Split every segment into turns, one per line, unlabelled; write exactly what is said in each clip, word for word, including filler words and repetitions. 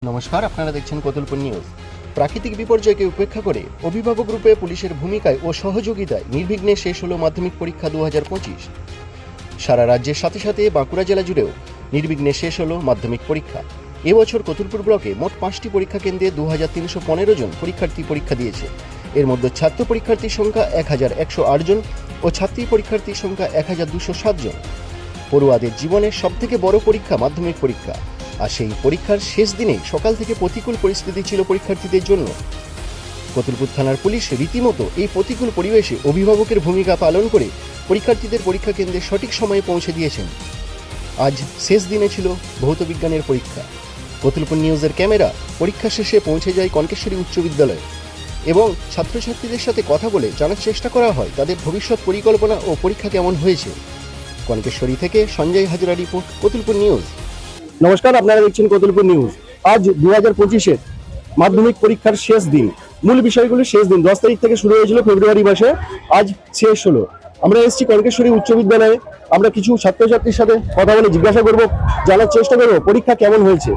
নমস্কার, আপনারা দেখছেন কতুলপুর নিউজ। প্রাকৃতিক বিপর্যয়কে উপেক্ষা করে অভিভাবক রূপে পুলিশের ভূমিকায় ও সহযোগিতায় নির্বিঘ্নে শেষ হলো মাধ্যমিক পরীক্ষা দু হাজার পঁচিশ। সারা রাজ্যের সাথে সাথে বাঁকুড়া জেলা জুড়েও নির্বিঘ্নে শেষ হলো মাধ্যমিক পরীক্ষা। এবছর কতুলপুর ব্লকে মোট পাঁচটি পরীক্ষা কেন্দ্রে দু হাজার তিনশো পনেরো জন পরীক্ষার্থী পরীক্ষা দিয়েছে। এর মধ্যে ছাত্র পরীক্ষার্থীর সংখ্যা এক হাজার একশো আট জন ও ছাত্রী পরীক্ষার্থীর সংখ্যা এক হাজার দুশো সাত জন। পড়ুয়াদের জীবনের সবথেকে বড় পরীক্ষা মাধ্যমিক পরীক্ষা, আর সেই পরীক্ষার শেষ দিনে সকাল থেকে প্রতিকূল পরিস্থিতি ছিল পরীক্ষার্থীদের জন্য। কতুলপুর থানার পুলিশ রীতিমতো এই প্রতিকূল পরিবেশে অভিভাবকের ভূমিকা পালন করে পরীক্ষার্থীদের পরীক্ষা কেন্দ্রে সঠিক সময়ে পৌঁছে দিয়েছেন। আজ শেষ দিনে ছিল ভৌত বিজ্ঞানের পরীক্ষা। কতুলপুর নিউজের ক্যামেরা পরীক্ষা শেষে পৌঁছে যায় কনকেশ্বরী উচ্চ বিদ্যালয়ে এবং ছাত্রছাত্রীদের সাথে কথা বলে জানার চেষ্টা করা হয় তাদের ভবিষ্যৎ পরিকল্পনা ও পরীক্ষা কেমন হয়েছে। কনকেশ্বরী থেকে সঞ্জয় হাজরা রিপোর্ট, কতুলপুর নিউজ। নমস্কার, আপনারা দেখছেন কতুলপুর নিউজ। আজ দু হাজার পঁচিশের মাধ্যমিক পরীক্ষার শেষ দিন, মূল বিষয়গুলো শেষ দিন। দশ তারিখ থেকে শুরু হয়েছিল ফেব্রুয়ারি মাসে, আজ শেষ হলো। আমরা এসেছি কনকেশ্বরী উচ্চ বিদ্যালয়ে। আমরা কিছু ছাত্রছাত্রীর সাথে কথা বলে জিজ্ঞাসা করবো, জানার চেষ্টা করবো পরীক্ষা কেমন হয়েছে।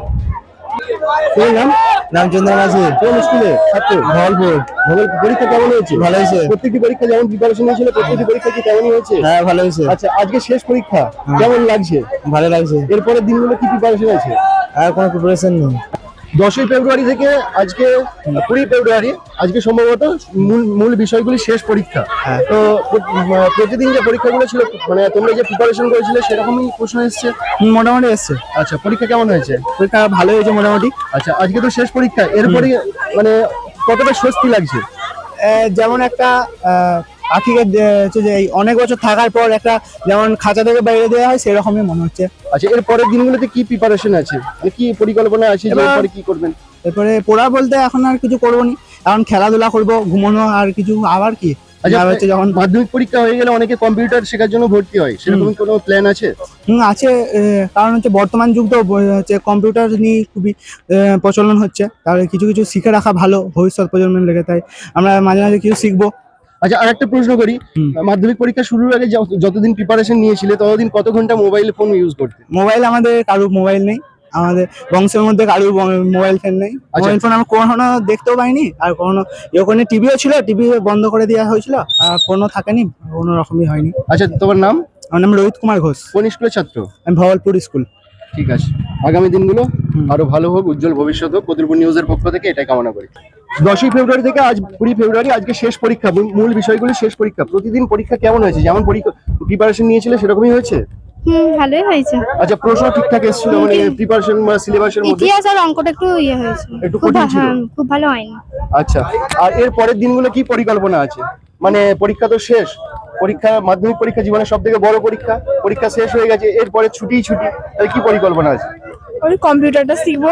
তোমার নাম?
রামচন্দ্র মাঝি।
কোন স্কুলে ছাত্র?
ভগলপুর।
ভগলপুর। পরীক্ষা কেমন হয়েছে?
ভালো হয়েছে।
প্রত্যেকটি পরীক্ষা যেমন প্রিপারেশন হয়েছিল প্রত্যেকটি পরীক্ষা কি তেমনই হয়েছে?
হ্যাঁ, ভালো হয়েছে।
আচ্ছা, আজকে শেষ পরীক্ষা, কেমন লাগছে?
ভালো লাগছে।
এরপরের দিনগুলো কি প্রিপারেশন আছে?
আর কোনো প্রিপারেশন নেই।
দশই ফেব্রুয়ারি থেকে আজকে কুড়ি ফেব্রুয়ারি, আজকে সম্ভবত মূল মূল বিষয়গুলি শেষ পরীক্ষা।
হ্যাঁ।
তো প্র- প্রতিদিন যে পরীক্ষাগুলো ছিল, মানে তোমরা যে প্রিপারেশন করেছিলে সেরকমই প্রশ্ন এসছে?
হুম, মোটামুটি এসছে।
আচ্ছা, পরীক্ষা কেমন হয়েছে?
পরীক্ষা ভালো হয়েছে মোটামুটি।
আচ্ছা, আজকে তো শেষ পরীক্ষা, এরপরে মানে কতটা স্বস্তি লাগছে?
আহ, যেমন একটা আহ, পাখিকে দে- হচ্ছে যে এই অনেক বছর থাকার পর একটা যেমন খাঁচা থেকে বাইরে দেওয়া হয় সেরকমই মনে হচ্ছে।
আচ্ছা, এর পরের দিনগুলোতে কি প্রিপারেশন আছে, মানে কি পরিকল্পনা আছে যে
এবার-
এরপরে কি করবেন?
এরপরে পড়া বলতে এখন আর কিছু করবো নি, এখন খেলাধুলা করবো, ঘুমানো, আর কিছু আবার কি।
আচ্ছা,
আর হচ্ছে যখন
মাধ্যমিক পরীক্ষা হয়ে গেলে অনেকে কম্পিউটার শেখার জন্য ভর্তি হয়, সেরকম কোনো প্ল্যান আছে?
হুম, আছে। আহ, কারণ হচ্ছে বর্তমান যুগ তো ব- হচ্ছে কম্পিউটার নিয়ে খুবই আহ, প্রচলন হচ্ছে, তাহলে কিছু কিছু শিখে রাখা ভালো ভবিষ্যৎ প্রজন্মের লেগে। তাই আমরা মাঝে মাঝে কিছু শিখবো।
আচ্ছা, আর একটা প্রশ্ন করি,
হুম।
মাধ্যমিক পরীক্ষা শুরুর আগে যত- যতদিন প্রিপারেশন নিয়েছিলে ততদিন কত ঘন্টা মোবাইল ফোন ইউজ করতে?
মোবাইল আমাদের কারুর মোবাইল নেই, আমাদের বংশের মধ্যে কারুর ব- মোবাইল ফোন নেই। মোবাইল ফোন আমরা কখনো দেখতেও পাইনি, আর কখনো ওখানে টিভিও ছিল, টিভি বন্ধ করে দেওয়া হয়েছিল, আর ফোনও থাকেনি, কোনো রকমই হয়নি।
আচ্ছা, তোমার নাম?
আমার নাম রোহিত কুমার ঘোষ,
কোন স্কুলের ছাত্র?
আমি ভগলপুর স্কুল।
ঠিক আছে, আগামী দিনগুলো
হুম।
আরো ভালো হোক, উজ্জ্বল ভবিষ্যৎ হোক, কতুলপুর নিউজের পক্ষ থেকে এটাই কামনা করি। দশই ফেব্রুয়ারি থেকে আজ কুড়ি ফেব্রুয়ারি, আজকে শেষ পরীক্ষা, মূল- মূল বিষয়গুলি শেষ পরীক্ষা। প্রতিদিন পরীক্ষা কেমন হয়েছে? যেমন পরীক্ষা প্রিপারেশন নিয়েছিলে সেরকমই হয়েছে?
হুম, ভালোই হয়েছে।
আচ্ছা, প্রশ্ন ঠিকঠাক এসেছিল, মানে প্রিপারেশন বা সিলেবাসের মধ্যে?
ইতিহাস আর অঙ্কটা একটু ইয়ে হয়েছে,
একটু
খুব
কঠিন
ভা-
ছিল।
হ্যাঁ, খুব ভালো হয়নি।
আচ্ছা, আর এর পরের দিনগুলো কি পরিকল্পনা আছে? মানে পরীক্ষা তো শেষ, পরীক্ষা মাধ্যমিক পরীক্ষা জীবনের সব থেকে বড় পরীক্ষা, পরীক্ষা শেষ হয়ে গেছে, এরপরে ছুটি ছুটি, তাহলে কি পরিকল্পনা আছে?
ওই কম্পিউটারটা শিখবো,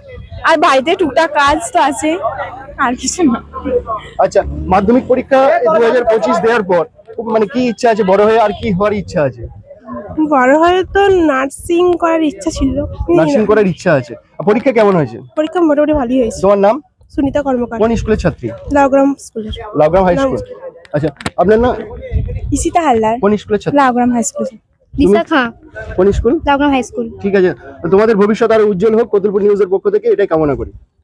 আর বাড়িতে টুকটাক কাজ তো আছে, আর কিছু না।
আচ্ছা, মাধ্যমিক পরীক্ষা দু হাজার পঁচিশ দেওয়ার পর খুব মানে কি ইচ্ছা আছে বড় হয়ে, আর কি হওয়ার ইচ্ছা আছে?
বড় হয়ে তো নার্সিং করার ইচ্ছা ছিল।
নার্সিং করার ইচ্ছা আছে। আর পরীক্ষা কেমন হয়েছে?
পরীক্ষা মোটামুটি ভালোই হয়েছে।
তোমার নাম?
সুনিতা কর্মকার,
কোন স্কুলের ছাত্রী?
লাউগ্রাম স্কুলের।
Laugram high school. আচ্ছা, আপনার নাম?
ইসিতা হালদার,
কোন স্কুলের ছাত্রী?
Laugram high school.
দিশা খাঁ,
কোন স্কুল?
লাউগ্রাম high school.
ঠিক আছে, তোমাদের ভবিষ্যৎ আরো উজ্জ্বল হোক, কতুলপুর নিউজের পক্ষ থেকে এটাই কামনা করি।